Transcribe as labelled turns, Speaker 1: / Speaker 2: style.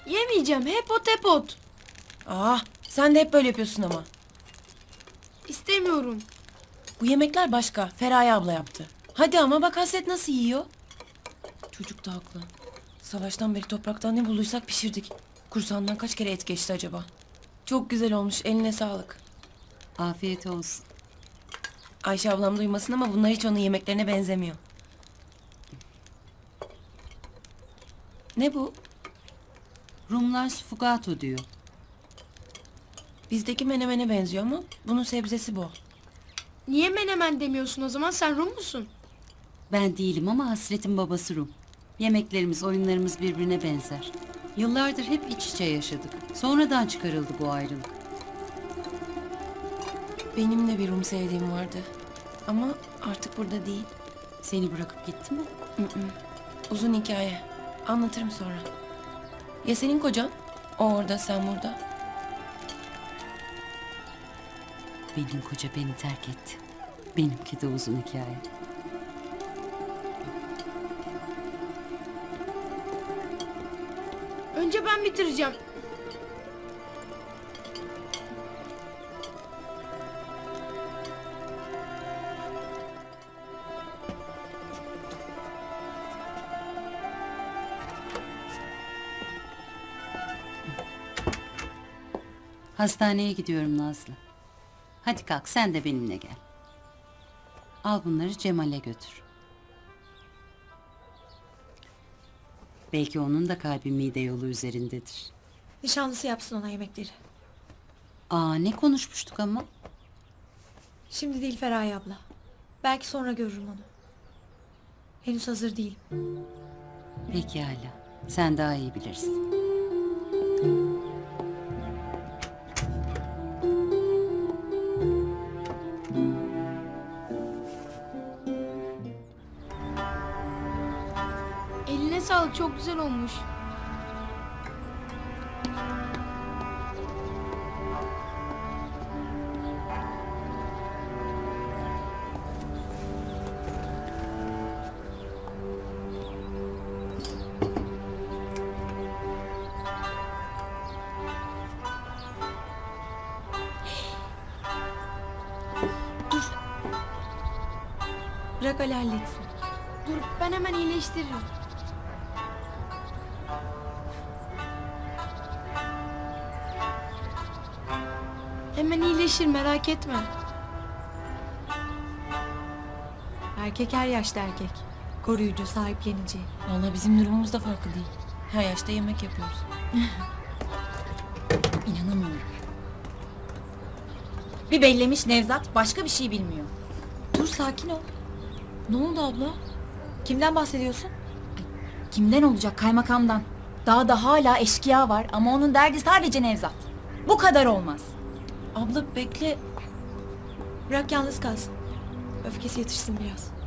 Speaker 1: Yemeyeceğim. Hep ot.
Speaker 2: Ah, sen de hep böyle yapıyorsun ama.
Speaker 1: İstemiyorum.
Speaker 2: Bu yemekler başka. Feraye abla yaptı. Hadi ama bak Hasret nasıl yiyor. Çocuk da haklı. Savaştan beri topraktan ne bulduysak pişirdik. Kursağından kaç kere et geçti acaba? Çok güzel olmuş. Eline sağlık.
Speaker 3: Afiyet olsun.
Speaker 2: Ayşe ablam duymasın ama bunlar hiç onun yemeklerine benzemiyor. Ne bu?
Speaker 3: Rumlar sfugato diyor.
Speaker 2: Bizdeki menemene benziyor ama bunun sebzesi bol.
Speaker 1: Niye menemen demiyorsun o zaman? Sen Rum musun?
Speaker 3: Ben değilim ama Hasret'in babası Rum. Yemeklerimiz, oyunlarımız birbirine benzer. Yıllardır hep iç içe yaşadık. Sonradan çıkarıldı bu ayrılık.
Speaker 2: Benim de bir Rum sevdiğim vardı. Ama artık burada değil.
Speaker 3: Seni bırakıp gitti mi?
Speaker 2: Uzun hikaye. Anlatırım sonra. Ya senin kocan? O orada, sen burada.
Speaker 3: Benim koca beni terk etti. Benimki de uzun hikaye.
Speaker 1: Önce ben bitireceğim.
Speaker 3: Hastaneye gidiyorum Nazlı. Hadi kalk sen de benimle gel. Al bunları Cemal'e götür. Belki onun da kalbi mide yolu üzerindedir.
Speaker 4: Nişanlısı yapsın ona yemekleri.
Speaker 3: Aa, ne konuşmuştuk ama?
Speaker 4: Şimdi değil Feraye abla. Belki sonra görürüm onu. Henüz hazır değilim.
Speaker 3: Pekala. Sen daha iyi bilirsin.
Speaker 1: Eline sağlık. Çok güzel olmuş.
Speaker 4: Bırak Ali halletsin.
Speaker 1: Dur, ben hemen iyileştiririm. Hemen iyileşir, merak etme.
Speaker 4: Erkek her yaşta erkek. Koruyucu, sahiplenici.
Speaker 2: Vallahi bizim durumumuz da farklı değil. Her yaşta yemek yapıyoruz.
Speaker 5: İnanamıyorum. Bir bellemiş Nevzat başka bir şey bilmiyor.
Speaker 4: Dur sakin ol.
Speaker 2: Ne oldu abla?
Speaker 4: Kimden bahsediyorsun?
Speaker 5: Kimden olacak, kaymakamdan? Daha da hala eşkıya var ama onun derdi sadece Nevzat. Bu kadar olmaz.
Speaker 2: Abla bekle.
Speaker 4: Bırak yalnız kalsın. Öfkesi yatışsın biraz.